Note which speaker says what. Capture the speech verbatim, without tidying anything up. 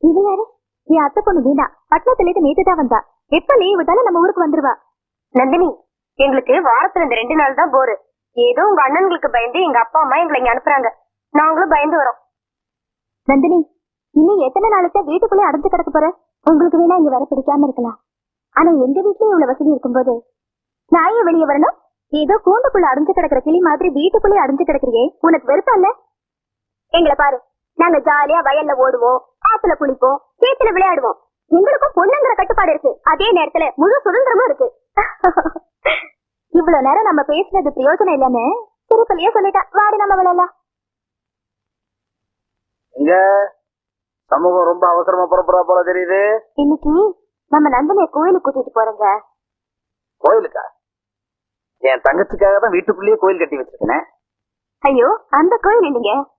Speaker 1: இவ யாரு? என் அத்தை பொண்ணு வீணா. பட்டணத்துல இருந்து நேத்து தான் வந்தா. எப்ப லீவ் விட்டாலும் நம்ம ஊருக்கு வந்துருவா.
Speaker 2: நந்தினி, எங்களுக்கு வாரத்துல இந்த ரெண்டு நாள் தான் போரு. ஏதோ உங்க அண்ணன்களுக்கு பயந்து எங்க அப்பா அம்மா எங்களை இங்க அனுப்புறாங்க. நாங்களும் பயந்து வரோம்.
Speaker 1: நந்தினி, இன்னும் எத்தனை நாளைக்கு வீட்டுக்குள்ளே அடைஞ்சு கிடக்க போற? உங்களுக்கு வேணா இங்க வர பிடிக்காம இருக்கலாம். ஆனா எங்க வீட்லயே இவ்வளவு வசதி இருக்கும்போது நான் ஏன் வெளியே வரணும்? ஏதோ கூண்டுக்குள்ள அடைஞ்சு கிடக்குற கிளி மாதிரி வீட்டுக்குள்ளே அடைஞ்சு கிடக்குறியே, உனக்கு வெறுப்பா இல்ல? எங்களை பாரு, நாங்க ஜாலியா வயல்ல ஓடுவோம், ஆத்துல குளிப்போம், சேத்துல விளையாடுவோம். எங்களுக்கும் பொண்ணுங்கிற கட்டுப்பாடு இருக்கு. அதே நேரத்துல முழு சுதந்திரமும் இருக்கு. இவ்வளவு நேரம் நம்ம பேசுனது பிரயோஜனம் இல்லன்னு திருப்பலியே சொல்லிட்டா. வாடி நம்ம விளையாடலாம்.
Speaker 3: இங்க சமூகம் ரொம்ப அவசரமா புறப்படுறா போல தெரியுது.
Speaker 1: இன்னைக்கு நம்ம நந்தினிய கோயிலுக்கு கூட்டிட்டு போறோங்க.
Speaker 3: கோயிலுக்கா? என் தங்கச்சிக்காக தான் வீட்டுக்குள்ளேயே கோயில் கட்டி வச்சிருக்கேன்.
Speaker 1: ஐயோ, அந்த கோயில் இல்லைங்க,